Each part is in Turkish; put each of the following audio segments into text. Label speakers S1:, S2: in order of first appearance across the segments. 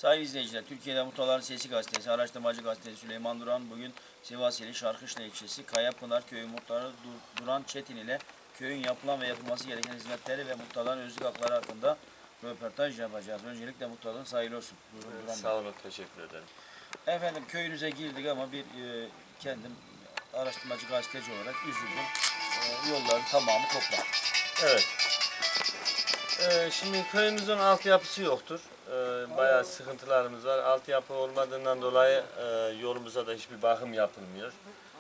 S1: Sayın izleyiciler, Türkiye'de Muhtarların Sesi Gazetesi, Araştırmacı Gazetesi Süleyman Duran bugün Sivas ili Şarkışla ilçesi Kayapınar Köyü Muhtarı Duran Çetin ile köyün yapılan ve yapılması gereken hizmetleri ve muhtarların özlük hakları hakkında röportaj yapacağız. Öncelikle muhtarlığın hayırlı olsun. Buyurun, Duran
S2: Sağ olun, teşekkür ederim.
S1: Efendim, köyünüze girdik ama kendim araştırmacı gazeteci olarak üzüldüm. Yolların tamamı toprak.
S2: Evet. Şimdi köyümüzün altyapısı yoktur. Bayağı sıkıntılarımız var. Altyapı olmadığından dolayı yolumuza da hiçbir bakım yapılmıyor.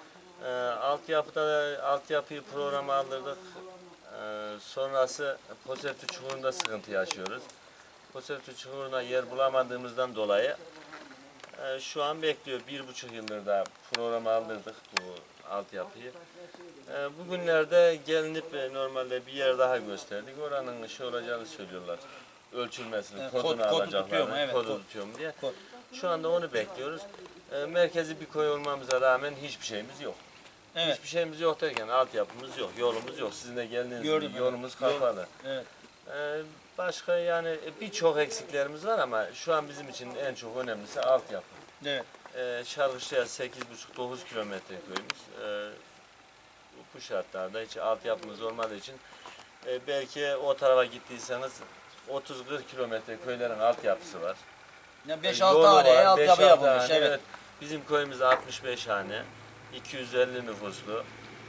S2: Altyapıyı programa aldırdık. Sonrası Posertü Çukuru'nda sıkıntı yaşıyoruz. Posertü Çukuru'na yer bulamadığımızdan dolayı şu an bekliyor. 1,5 yıldır da programa aldırdık bu altyapıyı. Bugünlerde gelinip normalde bir yer daha gösterdik. Oranın şey olacağını söylüyorlar. Ölçülmesini, kodunu alacaklar.
S1: Evet,
S2: kodu tutuyor mu diye.
S1: Kod.
S2: Şu anda onu bekliyoruz. Merkezi bir köy olmamıza rağmen hiçbir şeyimiz yok.
S1: Evet.
S2: Hiçbir şeyimiz yok derken altyapımız yok, yolumuz yok. Sizin de geldiğiniz
S1: Gördüm,
S2: gibi yolumuz kapalı.
S1: Evet.
S2: Başka yani birçok eksiklerimiz var ama şu an bizim için en çok önemlisi altyapı.
S1: Evet.
S2: Şarkışlı'ya 8,5-9 kilometre köyümüz. Bu şartlarda hiç altyapımız olmadığı için belki o tarafa gittiyseniz 30-40 kilometre köylerin altyapısı var.
S1: Yani 5-6 haneye altyapı yapılmış. Evet.
S2: Bizim köyümüz 65 hane, 250 nüfuslu,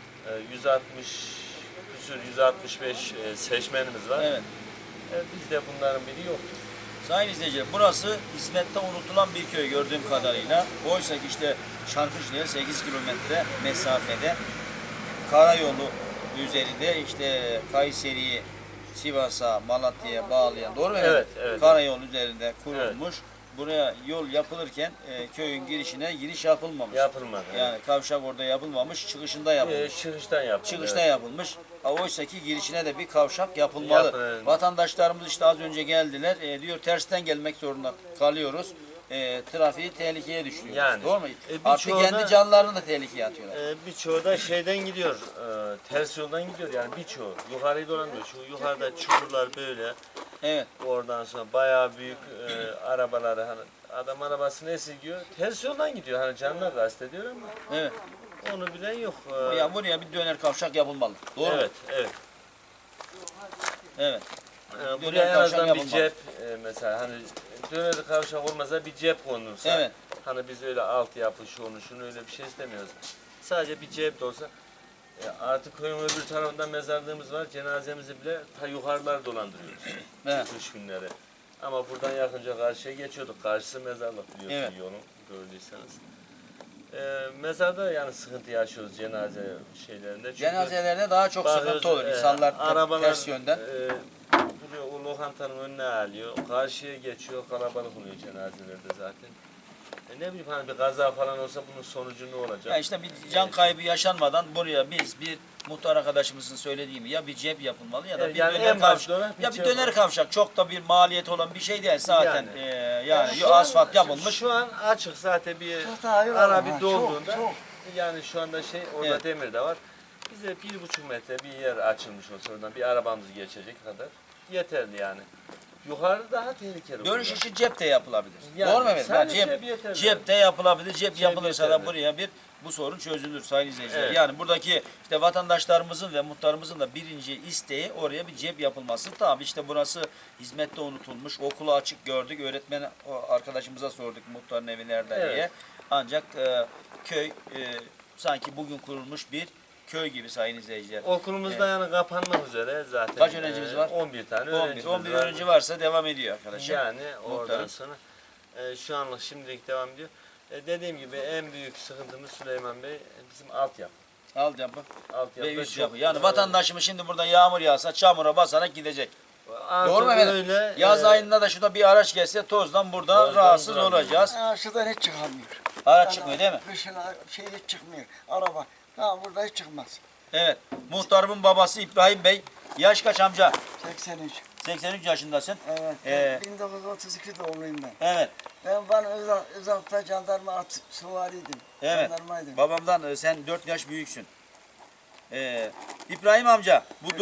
S2: 165 seçmenimiz var.
S1: Evet.
S2: Bizde bunların biri yoktur.
S1: Sayın izleyiciler, burası hizmette unutulan bir köy gördüğüm kadarıyla. Oysa ki işte Şarkışlı'ya 8 kilometre mesafede karayolu üzerinde işte Kayseri'yi Sivas'a, Malatya'ya bağlayan, doğru mu?
S2: Evet, evet.
S1: Karayolu üzerinde kurulmuş. Buraya yol yapılırken köyün girişine giriş yapılmamış.
S2: Yapılmadı.
S1: Yani kavşak orada yapılmamış, çıkışında yapılmış.
S2: Çıkıştan yapıldı.
S1: Çıkışta yapılmış. Oysa ki girişine de bir kavşak yapılmalı.
S2: Evet.
S1: Vatandaşlarımız işte az önce geldiler. Diyor tersten gelmek zorunda kalıyoruz. Trafiği tehlikeye düşürüyoruz.
S2: Yani,
S1: Doğru mu? Artık
S2: birçoğu
S1: kendi
S2: da-
S1: canlarını da tehlikeye atıyorlar.
S2: Birçoğu da şeyden gidiyor, ters yoldan gidiyor yani birçoğu. Yukarıyı dolanıyor. Şu yukarıda çukurlar böyle.
S1: Evet.
S2: Oradan sonra bayağı büyük arabaları hani adam arabasını esirgiyor. Ters yoldan gidiyor. Hani canına kastediyor ama
S1: Evet.
S2: onu bilen yok.
S1: Ya buraya bir döner kavşak yapılmalı. Doğru mu?
S2: Evet, evet.
S1: Evet.
S2: Buraya en
S1: kavşak
S2: azından bir
S1: yapılmalı.
S2: cep mesela hani döneri kavşak olmasa bir cep konulsa.
S1: Evet.
S2: Hani biz öyle altyapı şunu öyle bir şey istemiyoruz. Sadece bir cep de olsa. Artık köyün öbür tarafında mezarlığımız var. Cenazemizi bile ta yukarılar dolandırıyoruz.
S1: Evet.
S2: Kış günleri. Ama buradan yakınca karşıya geçiyorduk. Karşısı mezarlık biliyorsun
S1: Evet.
S2: yolun gördüyseniz. Mezarda yani sıkıntı yaşıyoruz cenaze şeylerinde. Çünkü
S1: Cenazelerde daha çok sıkıntı olur. İnsanlar
S2: arabalar,
S1: ters yönden.
S2: Buraya o lokantanın önüne alıyor. Karşıya geçiyor. Kalabalık oluyor cenazelerde zaten. Ne bileyim hani bir kaza falan olsa bunun sonucu ne olacak?
S1: Ya işte bir can kaybı yaşanmadan buraya biz bir muhtar arkadaşımızın söylediği gibi ya bir cep yapılmalı ya da bir
S2: Yani
S1: döner
S2: en
S1: kavşak.
S2: başta olan bir
S1: Ya bir
S2: cep
S1: döner
S2: var.
S1: kavşak çok da bir maliyet olan bir şey değil zaten. Yani
S2: Şu an-
S1: asfalt yapılmış.
S2: Şu an açık zaten bir
S3: Çok daha iyi var
S2: ara
S3: ama,
S2: bir dolduğunda.
S3: çok.
S2: Yani şu anda orada
S1: Evet.
S2: demir de var. Bize 1,5 metre bir yer açılmış olsa oradan bir arabamız geçecek kadar yeterli yani. Yukarı daha tehlikeli.
S1: Dönüş
S2: burada.
S1: işi cepte yapılabilir.
S2: Yani
S1: Doğru mu efendim?
S2: sadece
S1: Yani
S2: cep yeterli.
S1: cepte yapılabilir. Cep yapılırsa da
S2: yeterli.
S1: buraya bu sorun çözülür sayın izleyiciler.
S2: Evet.
S1: Yani buradaki işte vatandaşlarımızın ve muhtarımızın da birinci isteği oraya bir cep yapılması. Tabii işte burası hizmette unutulmuş. Okulu açık gördük. Öğretmen arkadaşımıza sorduk muhtarın evi nerede
S2: Evet.
S1: diye. Ancak köy sanki bugün kurulmuş bir köy gibi sayın izleyiciler.
S2: Okulumuzda yani kapanmak üzere zaten.
S1: Kaç öğrencimiz var?
S2: 11 tane
S1: 11
S2: öğrencimiz var.
S1: öğrenci varsa devam ediyor arkadaşlar.
S2: Yani oradan
S1: Muhtarım.
S2: sonra şu anlık şimdilik devam ediyor. Dediğim gibi en büyük sıkıntımız Süleyman Bey bizim altyapı.
S1: Altyapı.
S2: Altyapı
S1: Ve üst
S2: çok,
S1: yapı. Yani vatandaşımız şimdi burada yağmur yağsa çamura basarak gidecek. Doğru mu efendim?
S2: Öyle,
S1: Yaz ayında da şurada bir araç gelse tozdan burada
S2: Tozdan
S1: rahatsız
S2: duramıyor.
S1: olacağız.
S3: Şuradan hiç çıkamıyor.
S1: Araç çıkmıyor değil mi?
S3: Kışın şey hiç çıkmıyor. Araba. Ha burada hiç çıkmaz.
S1: Evet. Muhtarımın babası İbrahim Bey. Yaş kaç amca?
S3: 83.
S1: 83 yaşındasın.
S3: Evet.
S1: Ee,
S3: 1932 doğumluyum ben.
S1: Evet.
S3: Ben Özalp'ta jandarma süvariydim.
S1: Evet.
S3: Jandarmaydım.
S1: Babamdan sen 4 yaş büyüksün. İbrahim amca bu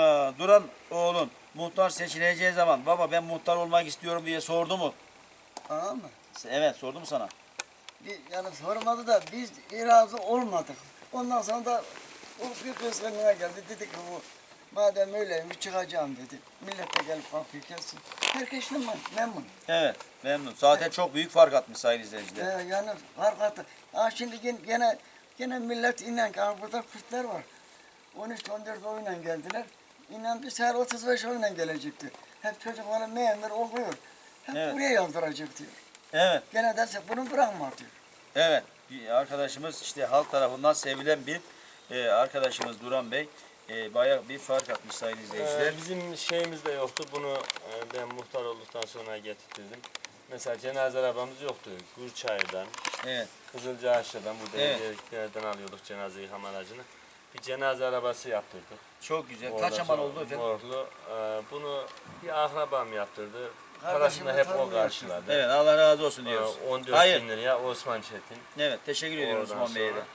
S1: Duran oğlun muhtar seçileceği zaman baba ben muhtar olmak istiyorum diye sordu mu?
S3: Tamam mı?
S1: Evet, sordum sana.
S3: Yani sormadı da biz razı olmadık. Ondan sonra da o bir kısmına geldi. Dedi ki bu madem öyleymiş çıkacağım dedi. Millet de gelip kapıyı kessin. Herkes memnun.
S1: Evet, memnun. Zaten çok büyük fark atmış sayın izleyiciler.
S3: Yani fark attı. Ha şimdi gene millet inen ki burada Kürtler var. 13-14 oyla geldiler. İnan bir sefer 35 oyla gelecekti. Hep çocukların memur okuyor. Hep
S1: Evet.
S3: buraya yazdıracak diyor.
S1: Evet,
S3: Gene derse bunu bırakma diyor.
S1: evet. Bir arkadaşımız işte halk tarafından sevilen bir arkadaşımız Duran Bey. Bayağı bir fark atmış sayın izleyiciler.
S2: Bizim şeyimiz de yoktu. Bunu ben muhtar olduktan sonra getirdim. Mesela cenaze arabamız yoktu. Gürçayır'dan,
S1: Evet,
S2: Kızılcahaçlı'dan, burada
S1: Evet.
S2: evliliklerden alıyorduk cenaze yıkama aracını. Bir cenaze arabası yaptırdık.
S1: çok güzel.
S2: Ondan
S1: Kaç aman
S2: sonra
S1: oldu efendim?
S2: Morlu. Bunu bir akrabam yaptırdı.
S3: Kardeşim
S2: Parasını
S3: de
S2: hep o
S3: tanıyor
S2: karşıladı.
S1: Evet, Allah razı olsun diyoruz.
S2: 14
S1: Hayır.
S2: bin liraya Osman Çetin.
S1: Evet, teşekkür ediyoruz
S2: Oradan
S1: Osman Bey'e de.
S2: sonra,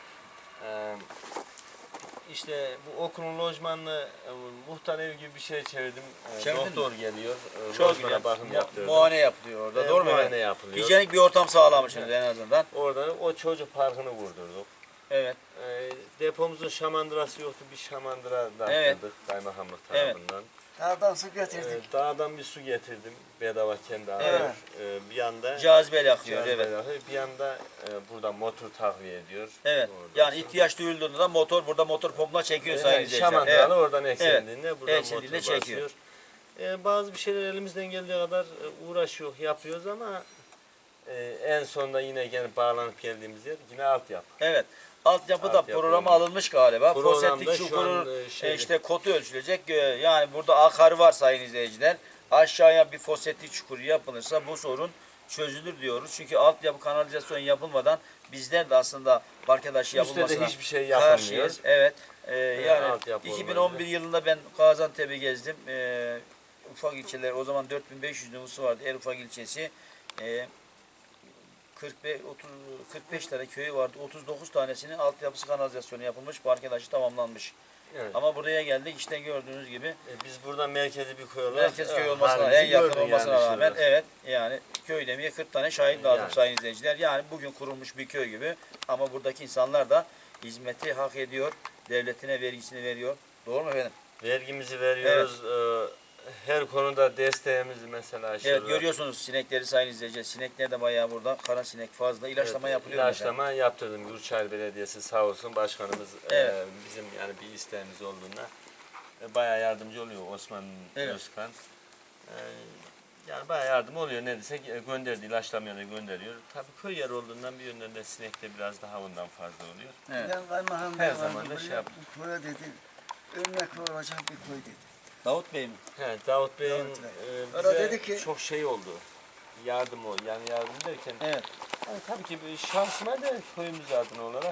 S2: işte bu okulun lojmanını muhtar ev gibi bir şey çevirdim.
S1: Çevirdin
S2: Doktor geliyor.
S1: Çok
S2: Lojmana
S1: güzel.
S2: bakım yaptırdım.
S1: Muayene yapılıyor orada. Doğru mu
S2: muayene
S1: efendim?
S2: yapılıyor.
S1: Hijyenik bir ortam sağlamışsınız en azından.
S2: Orada o çocuk parkını vurdurduk.
S1: Evet.
S2: Depomuzun şamandırası yoktu. Bir şamandıra da
S1: Evet.
S2: yaptırdık kaymakamlık
S1: Evet.
S2: tarafından.
S3: Dağdan su getirdik.
S2: Dağdan bir su getirdim. Bedava kendi
S1: Evet.
S2: alıyor. Bir yanda
S1: Cazibeli akıyor.
S2: cihaz
S1: Evet.
S2: bedava, bir yanda burada motor takviye ediyor.
S1: Evet.
S2: Oradan
S1: Yani
S2: sonra-
S1: ihtiyaç duyulduğunda da motor burada motor pompuna çekiyor sayın
S2: Evet,
S1: izleyiciler.
S2: şamandıralı
S1: Evet.
S2: oradan eksildiğinde buradan
S1: Eksildiğinde
S2: motor
S1: çekiyor.
S2: basıyor. Bazı bir şeyler elimizden geldiği kadar uğraşıyor, yapıyoruz ama en sonunda yine gelip bağlanıp geldiğimiz yer yine altyapı.
S1: Evet. Altyapıda
S2: Altyapı
S1: programa
S2: olmuş.
S1: alınmış galiba.
S2: Programda
S1: Foseptik
S2: şu an,
S1: çukurun
S2: şeyde-
S1: işte kotu ölçülecek. Yani burada akarı var sayın izleyiciler. Aşağıya bir foseptik çukuru yapılırsa bu sorun çözülür diyoruz. Çünkü altyapı kanalizasyon yapılmadan bizler de aslında arkadaşı
S2: Üstte de
S1: yapılmasına
S2: hiçbir şey yapılmıyor.
S1: karşıyız. Evet. Yani
S2: altyapı
S1: 2011
S2: olmayınca.
S1: yılında ben Gaziantep'i gezdim. Ufak ilçeler o zaman 4500 nüfusu vardı. En ufak ilçesi. 45 tane köyü vardı. 39 tanesinin altyapısı kanalizasyonu yapılmış. Park arkadaşı tamamlanmış.
S2: Evet.
S1: Ama buraya geldik işte gördüğünüz gibi
S2: Biz buradan merkezi bir köy olarak
S1: merkez köy olmasına
S2: halimizi
S1: en yakın
S2: gördün
S1: olmasına
S2: yani
S1: rağmen
S2: şurada.
S1: evet yani köy demeye 40 tane şahit lazım
S2: Yani.
S1: sayın izleyiciler. Yani bugün kurulmuş bir köy gibi ama buradaki insanlar da hizmeti hak ediyor. Devletine vergisini veriyor. Doğru mu efendim?
S2: Vergimizi veriyoruz. Her konuda desteğimizi mesela şurada.
S1: Evet görüyorsunuz sinekleri sayın izleyiciler. Sinekler de bayağı burada. Kara sinek fazla. İlaçlama yapılıyor. mu efendim?
S2: İlaçlama yaptırdım. Gürçay Belediyesi sağ olsun başkanımız
S1: Evet.
S2: bizim yani bir isteğimiz olduğunda bayağı yardımcı oluyor Osman
S1: Evet.
S2: Özkan. Yani bayağı yardım oluyor ne desek gönderdi ilaçlamaya da gönderiyor. Tabii köy yeri olduğundan bir yönden de sinek de biraz daha ondan fazla oluyor.
S1: Evet.
S3: Ben kaymakam
S2: Her
S3: bey
S2: zaman
S3: vardı
S2: da
S3: buraya,
S2: şey yap-
S3: bu köye dedi. Örnek olacak bir köy dedi.
S1: Davut Bey mi?
S2: He, Davut Bey'in
S3: Davut Bey.
S2: bize
S3: O da dedi ki-
S2: çok şey oldu. Yardım o. Yani yardım derken
S1: Evet.
S2: yani tabii ki bir şansıma da köyümüz adına olarak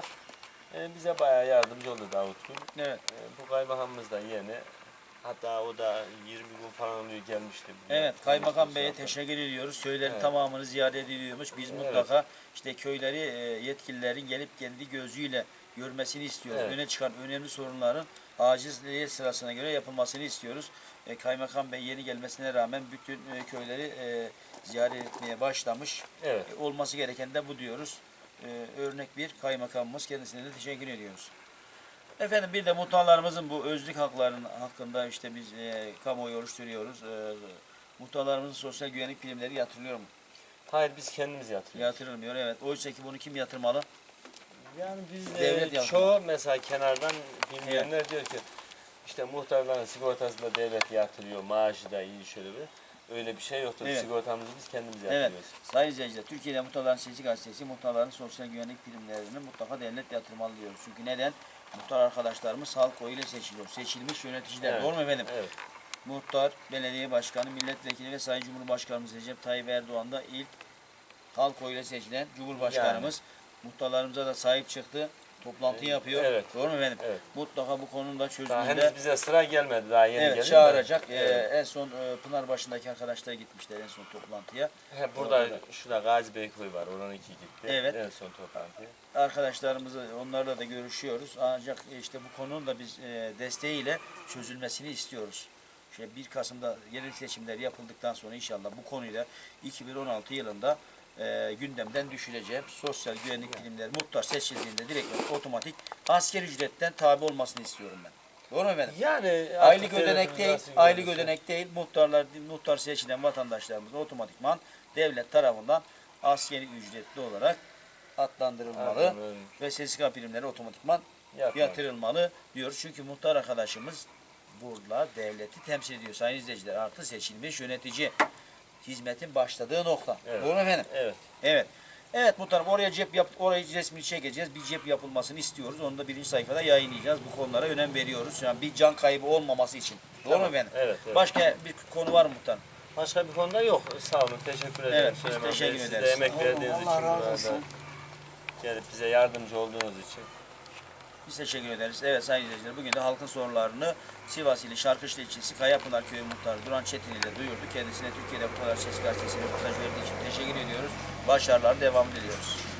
S2: bize bayağı yardımcı oldu Davut Gül.
S1: Evet.
S2: Bu kaymakamımız da yeni. Hatta o da 20 gün falan oluyor gelmişti.
S1: Evet, Kaymakam Bey'e teşekkür ediyoruz. Köylerin
S2: Evet.
S1: tamamını ziyaret ediliyormuş. Biz
S2: Evet.
S1: mutlaka işte köyleri yetkililerin gelip kendi gözüyle görmesini istiyoruz.
S2: Evet.
S1: Öne çıkan önemli sorunların aciliyet sırasına göre yapılmasını istiyoruz. Kaymakam Bey yeni gelmesine rağmen bütün köyleri ziyaret etmeye başlamış.
S2: Evet.
S1: Olması gereken de bu diyoruz. Örnek bir kaymakamımız, kendisine de teşekkür ediyoruz. Efendim bir de muhtarlarımızın bu özlük haklarının hakkında işte biz kamuoyu oluşturuyoruz. Muhtarlarımızın sosyal güvenlik primleri yatırılıyor mu?
S2: Hayır biz kendimiz yatırıyoruz.
S1: Yatırılmıyor evet. Oysa ki bunu kim yatırmalı?
S2: Yani biz
S1: Devlet yatırıyor.
S2: çoğu mesela kenardan bilmeyenler diyor ki işte muhtarların sigortası da devlet yatırıyor, maaşı da iyi şöyle bir. Öyle bir şey yoktur.
S1: Evet.
S2: Sigortamızı biz kendimiz
S1: Evet.
S2: yatırıyoruz.
S1: Sayın izleyiciler, Türkiye'de Muhtarların Sesi Gazetesi muhtarların sosyal güvenlik primlerini mutlaka devlet yatırmalı diyoruz. Çünkü neden? Muhtar arkadaşlarımız halk oyuyla seçiliyor. Seçilmiş yöneticiler.
S2: Evet.
S1: Doğru mu efendim?
S2: Evet.
S1: Muhtar, belediye başkanı, milletvekili ve Sayın Cumhurbaşkanımız Recep Tayyip Erdoğan da ilk halk oyuyla seçilen Cumhurbaşkanımız. Muhtarlarımıza da sahip çıktı. Toplantı yapıyor.
S2: Evet.
S1: Doğru mu efendim?
S2: Evet.
S1: Mutlaka bu konunun da
S2: Daha
S1: çözümünde
S2: henüz bize sıra gelmedi. Daha yeni
S1: evet,
S2: geldi de.
S1: çağıracak.
S2: Evet.
S1: En son Pınarbaşı'ndaki arkadaşlar gitmişler en son toplantıya.
S2: Burada
S1: Orada.
S2: şurada Gazi Beyköy var. Oranınki gitti.
S1: Evet.
S2: En son toplantıya.
S1: Arkadaşlarımızı onlarla da görüşüyoruz. Ancak işte bu konunun da biz desteğiyle çözülmesini istiyoruz. İşte 1 Kasım'da yerel seçimler yapıldıktan sonra inşallah bu konuyla 2016 yılında gündemden düşüreceğim. Sosyal güvenlik bilimleri muhtar seçildiğinde direkt otomatik asgari ücretten tabi olmasını istiyorum ben. Doğru mu efendim?
S2: Yani
S1: Aylık
S2: artık
S1: ödenek
S2: devletimiz
S1: değil,
S2: nasıl
S1: aylık
S2: görürse.
S1: ödenek değil. Muhtar seçilen vatandaşlarımız otomatikman devlet tarafından asgari ücretli olarak adlandırılmalı
S2: Aynen öyle.
S1: ve SSK primleri otomatikman
S2: Yatmalı.
S1: yatırılmalı diyoruz. Çünkü muhtar arkadaşımız burada devleti temsil ediyor sayın izleyiciler. Artı seçilmiş yönetici. Hizmetin başladığı nokta.
S2: Evet.
S1: Doğru mu efendim?
S2: Evet.
S1: Evet. Evet muhtarım oraya orayı resmini çekeceğiz. Bir cep yapılmasını istiyoruz. Onu da birinci sayfada yayınlayacağız. Bu konulara önem veriyoruz. Yani bir can kaybı olmaması için. Doğru
S2: Tamam.
S1: mu efendim?
S2: Evet, evet.
S1: Başka bir konu var mı muhtarım?
S2: Başka bir konuda yok. Sağ olun. Teşekkür ederim.
S1: Evet, biz
S2: Süleyman Bey.
S1: teşekkür
S2: Siz de
S1: ederiz.
S2: emek verdiğiniz
S3: Allah
S2: için
S3: razı
S2: burada
S3: olsun.
S2: gelip bize yardımcı olduğunuz için.
S1: Biz teşekkür ederiz. Evet sayın izleyiciler bugün de halkın sorunlarını Sivas ili Şarkışla ilçesi Kayapınar Köyü Muhtarı Duran Çetin ile duyurdu. Kendisine Türkiye'de bu kadar ses gazetesine röportaj verdiği için teşekkür ediyoruz. Başarılar devam ediyoruz.